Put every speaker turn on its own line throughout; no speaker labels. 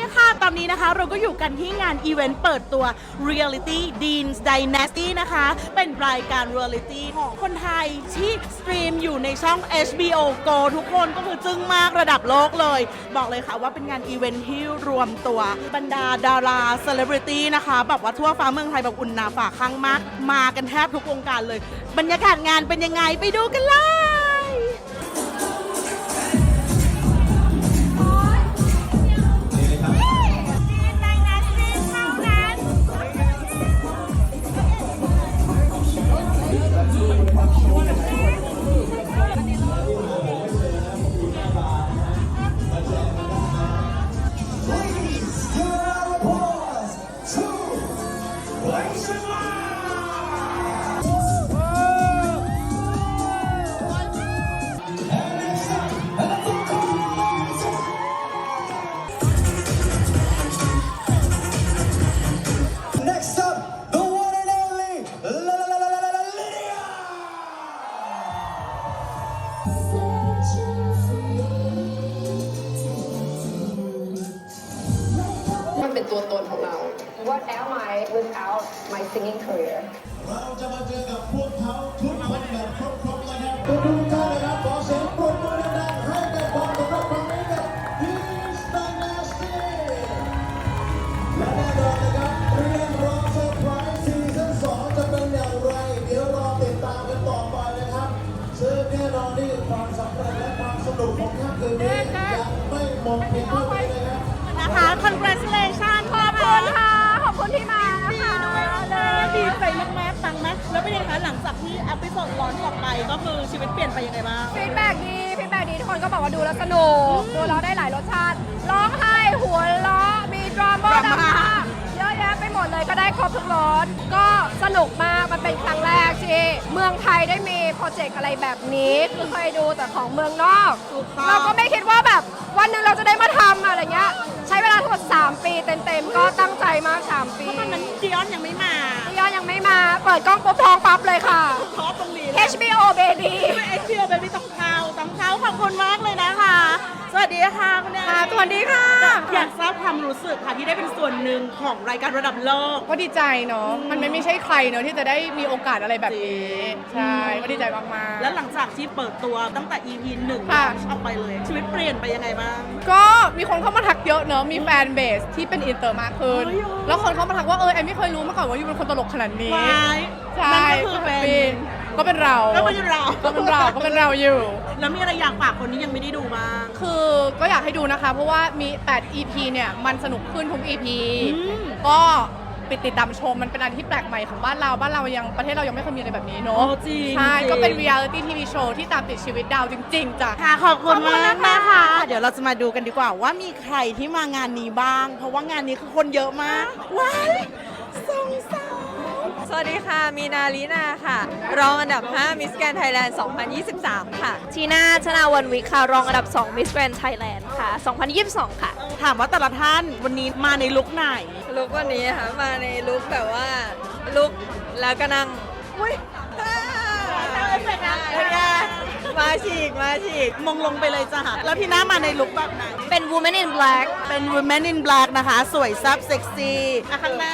ค่ะตอนนี้นะคะเราก็อยู่กันที่งานอีเวนต์เปิดตัว Reality Dean's Dynasty นะคะ เป็นรายการ Reality ของคนไทยที่สตรีมอยู่ในช่อง HBO Go ทุกคนก็คือจึ้งมากระดับโลกเลย บอกเลยค่ะว่าเป็นงานอีเวนต์ที่รวมตัวบรรดาดาราเซเลบริตี้นะคะแบบว่าทั่วฟ้าเมืองไทยแบบอุ่นหนาฝาข้างมากมากันแทบทุกวงการเลย บรรยากาศงานเป็นยังไงไปดูกันเลย
Next up, the one and only Lydia.
มันเป็นตัวตนของเรา What am I without my singing career
เราจะมาเจอกับพวกเขาทุกคนแบบครบๆเลยครับทุกท่านนะครับขอเสียงปรบมือดังๆให้กับความสำเร็จครั้งนี้กับ Dean's Dynasty และแน่นอนนะครับเรื่องราวเซอร์ไพรส์ซีซั่น2จะเป็นอย่างไรเดี๋ยวรอติดตามกันต่อไปนะครับซึ่งแน่นอนนี่ความสำเร็จและความสนุกของค่ำคืนนี้ยังไม่หมดเพียงเท่านี้นะครับ
นะคะ congratulations ขอบคุณค่ะ ขอบคุณที่มานะคะดีใจมากๆฟังไหมแล้วเป็นยังไงคะหลังจากที่อพิโซดร้อนออกไปก็คือชีวิตเปลี่ยนไปยังไงบ้าง
ฟีดแบ็กดีทุกคนก็บอกว่าดูแล้วสนุกดูแล้วได้หลายรสชาติ ร้องไห้หัวเราะมีดราม่า
ดราม่า
เยอะแยะไปหมดเลยก็ได้ครบทุกรสก็สนุกมากมันเป็นครั้งแรกที่เมืองไทยได้มีโปรเจกต์อะไรแบบนี้คือเคยดูแต่ของเมืองนอก เราก็ไม่คิดว่าแบบวันหนึ่งเราจะได้มาทำอะไรเงี้ยใช้เวลาทั้งหมด3 ปีเต็มๆก็ตั้งใจมาก3 ปี
ตอนนั้นดิออนยังไม่มา
พี่ยอนยังไม่มาเปิดกล้องปุ๊บท้องปั๊บเลยค่ะ
เพราะตรงนี้
HBO baby
เอชพีโอเบบี้ต้องเข้าขอบคุณมากเลยนะคะ สวัสดีค่ะคุณแอน
ค่ะสวัสดีค่ะ
อยากทราบความรู้สึกค่ะที่ได้เป็นส่วนหนึ่งของรายการระดับโลก
ก็ดีใจเนาะ มันไม่ใช่ใครเนาะที่จะได้มีโอกาสอะไรแบบนี้ ใช่ ก็ดีใจมากๆ
แล้วหลังจากที่เปิดตัวตั้งแต่ EP 1
ค่ะ
ออกไปเลย ชีวิตเปลี่ยนไปยังไงบ้าง
ก็มีคนเข้ามาทักเยอะเนาะ มีแฟนเบสที่เป็นอินเตอร์มากขึ้น
เฮ้ย
แล้วคนเข้ามาทักว่าแอมไม่เคยรู้มาก่อนว่ายูเป็นคนตลกขนาดนี้
วาย
ใช่
นั่นก็คือเป็น
ก็เป็นเรา
ก็เป็นเรา
ก็เป็นเราอยู่
แล้วมีอะไรอยากฝากคนที่ยังไม่ได้ดูบ้าง
คือก็อยากให้ดูนะคะ เพราะว่ามี 8 EP เนี่ยมันสนุกขึ้นทุก EP
อืม
ก็ไปติดตามชมมันเป็นอะไรที่แปลกใหม่ของบ้านเราประเทศเรายังไม่เคยมีอะไรแบบนี้เนาะ
โอ้จริง
ใช่
จริง
ก็เป็น reality TV show ที่ตามติดชีวิตดาวจริง ๆจ้ะ
ค่ะขอบคุณ
ขอบคุณ
มาก
นะคะ
นะคะ เดี๋ยวเราจะมาดูกันดีกว่าว่ามีใครที่มางานนี้บ้าง เพราะว่างานนี้คือคนเยอะมาก ว้ายสองสาว
สวัสดีค่ะ มีนาลีนาค่ะ รองอันดับ 5 Miss Grand Thailand 2023 ค่ะ
ทีน่าชนาวันวิคค่ะ รองอันดับ 2 Miss Grand Thailand ค่ะ 2022 ค่ะ
ถามว่าแต่ละท่านวันนี้มาในลุคไหน
ลุกวันนี้ค่ะ มาในลุกแบบว่า ลุกแล้วก็นั่ง อุ้ยมาฉีก
มงลงไปเลยจ้ะแล้วที่หน้ามาในลุคแบบไหน
เป็น Woman in Black
เป็น Women in Black นะคะ สวยซับเซ็กซี่อ่ะข้างหน้า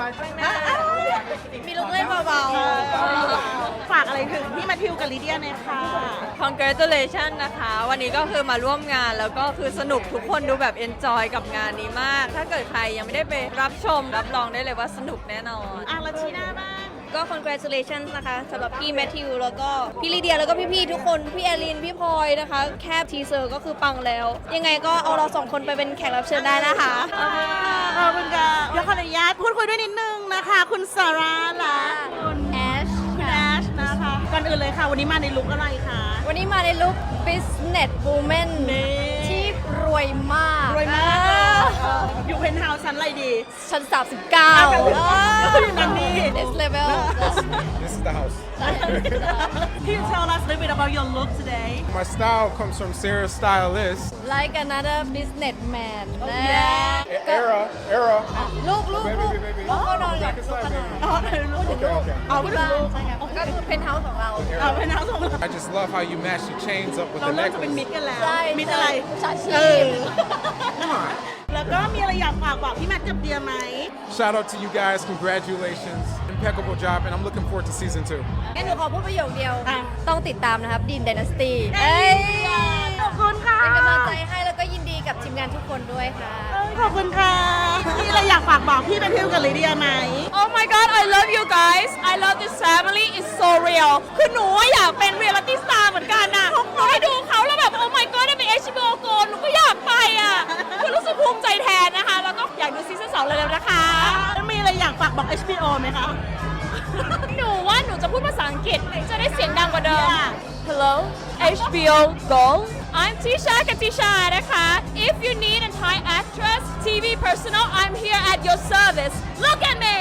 มีลุกเล่นเบา
ฝากอะไรถึงพี่มาทิวกับลิเดียหน่อยค่ะ
Congratulations นะคะ วันนี้ก็คือมาร่วมงานแล้วก็คือสนุกทุกคนดูแบบ enjoy กับงานนี้มาก ถ้าเกิดใครยังไม่ได้ไปรับชม รับรองได้เลยว่าสนุกแน่นอน
อ่ะแล้วชีหน้าบ้าง
ๆ ก็ congratulations นะคะสำหรับพี่แมทธิวแล้วก็พี่ลีเดียแล้วก็พี่ๆทุกคน พี่แอลิน พี่พลอยนะคะ แค่ทีเซอร์ก็คือปังแล้ว ยังไงก็เอาเรา2 คนไปเป็นแขกรับเชิญได้นะคะ
ขอบคุณค่ะเดี๋ยวขออนุญาตพูดคุยด้วยนิดนึงนะคะ คุณซาร่าและคุณ
แอช
คุณแอชนะคะ ก่อนอื่นเลยค่ะ วันนี้มาในลุคอะไรคะ
วันนี้มาในลุค business woman ที่รวยมาก
รวยมากอยู่เพนท์เฮาส์ชั้นอะไรดี
ชั้น 39
อยู่นั่นนี่
Next level
This is the house.
Can you tell us a little bit about your look today?
My style comes from Sarah Stylist.
like another businessman
Era.
ลูก
Baby, baby, baby.
ลูกก็นอนกับ
Back
ลูก
inside,
ก็นอน
baby.
อ๋อเออลูก
Okay, okay.
เอาไปดูลูก
ใช่ครับก็คือเพนท์เฮาส์ของเรา
เอาเพนท์เฮาส์ของเรา
I just love how you match your chains up with
เรา
the
เริ่มจะเป็นมิ
necklace.
ตรกันแล้ว
ใช่
มิตรอะไร
ใช่
เออ
Come on.
แล้วก็มีอะไรอยากากบอกพี่แมทกับเดียไหม
Shout out to you guys. Congratulations. Impeccable job, and I'm looking forward to season 2.
งั้นหนูขอพูดประโยคเดียว
อ่ะ
ต้องติดตามนะครับดีน Dynasty
ขอบคุณค่ะ
เป็นกำลังใจให้แล้วก็ยินดีกับทีมงานทุกคนด้วยค่ะ
ขอบคุณค่ะพี่อะไรอยากฝากบอกพี่แมทธิวกับลิเดียไหม
Oh my god I love you guys I love this family it's so real คือหนูอยากเป็น reality star เหมือนกันน่ะหนูให้ดูเขาแล้วแบบ Oh my god ได้เป็น HBO Go หนูก็อยากไปอ่ะคือรู้สึกภูมิใจแทนนะคะ แล้วก็อยากดูซีซั่น2เร็วๆนะคะ
มีอะไรอยากฝากบอก HBO ไหมคะ
หนูว่าหนูจะพูดภาษาอังกฤษจะได้เสียงดังกว่าเดิม
Yeah.
Hello HBO Go I'm Tisha Katisha นะคะ If you need a Thai actress TV personal I'm here at your service Look at me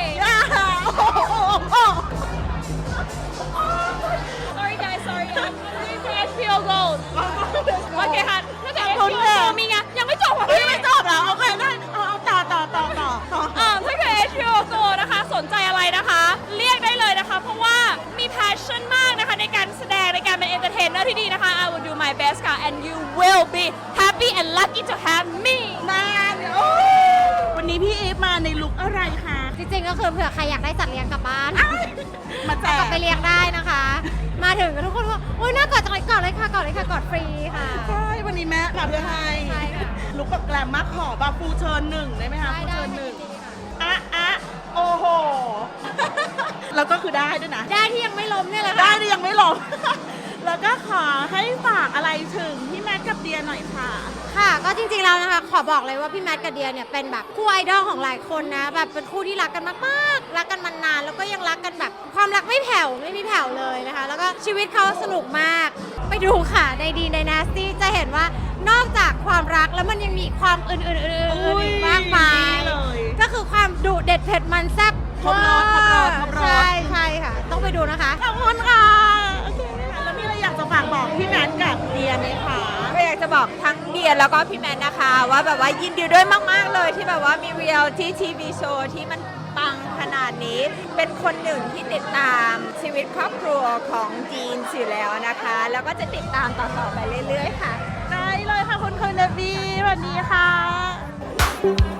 Sorry guys sorry I'm waiting for HBO Go โอเคค่ะถ้าเกิด HBO Go มีไงยังไม่จบค่ะพี่
ไม่จบเหรอโอเคได้เอาต่อ
ถ้าเกิด HBO Go นะคะสนใจอะไรนะคะ เรียกได้เลยนะคะ เพราะว่ามี passion มากนะคะในการแสดงในการเป็น entertainer ที่ดีนะคะ I will do my best ค่ะ and you will be happy and lucky to have me
วันนี้พี่อีฟมาในลุคอะไรคะ
จริงๆก็คือเผื่อใครอยากได้สัตว์เลี้ยงกลับบ้าน
มาแจ
เอากลั
ก
บไปเลี้ยงได้นะคะ มาถึงทุกคนว่าโอ้ยน่ากอดจังเลยกอดเลยค่ะกอดเลยค่ะกอดฟรีค่ะ
ใช่วันนี้แม่มาเพื่อให้
ใช่ค่ะ
ลุคแบบแกลมมากขอบาฟูเชิญหนึ่งได้ไหมคะ
ได้
ฟู
ได้
เชิญห
ยิ
นึ่ง
นดีค่ะ
โอ้โห แล้วก็คือได้ด้วยนะ
ได้ที่ยังไม่ล้มเนี่ยแหละ
ได้
ค่ะ
ดิยังไม่ลง แล้วก็ขอให้ฝากอะไรถึงพี่แมทกับเดียหน่อยค่ะ
ค่ะ ก็จริงๆแล้วนะคะ ขอบอกเลยว่าพี่แมทกับเดียเนี่ยเป็นแบบคู่ไอดอลของหลายคนนะ แบบเป็นคู่ที่รักกันมากๆ รักกันมานาน แล้วก็ยังรักกันแบบความรักไม่แผ่วไม่มีแผ่วเลยนะคะ แล้วก็ชีวิตเขาสนุกมาก ไปดูค่ะในดีในนาสตี้จะเห็นว่านอกจากความรักแล้วมันยังมีความอื่นๆอีกมากมาย
เลย
ก็คือความดุเด็ดเผ็ดมันแซ่บ
ครบรสครบรสครบรส
ใช่ใช่ค่ะ ต้องไปดูนะคะ
ขอบคุณค่ะโอเคค่ะแล้วมีอะไรอยากจะฝากบอกพี่แมทกับเดียไหมคะ
ก็อยากจะบอกทั้งเดียแล้วก็พี่แมนนะคะ ว่าแบบว่ายินดีด้วยมาก ๆ เลยที่แบบว่ามีเรียลที่ทีวีโชว์ที่มันปังขนาดนี้ เป็นคนหนึ่งที่ติดตามชีวิตครอบครัวของจีนอยู่แล้วนะคะ แล้วก็จะติดตามต่อๆไปเรื่อย ๆ ค่ะ
ได้เลยค่ะคุณเนบีสวัสดีค่ะ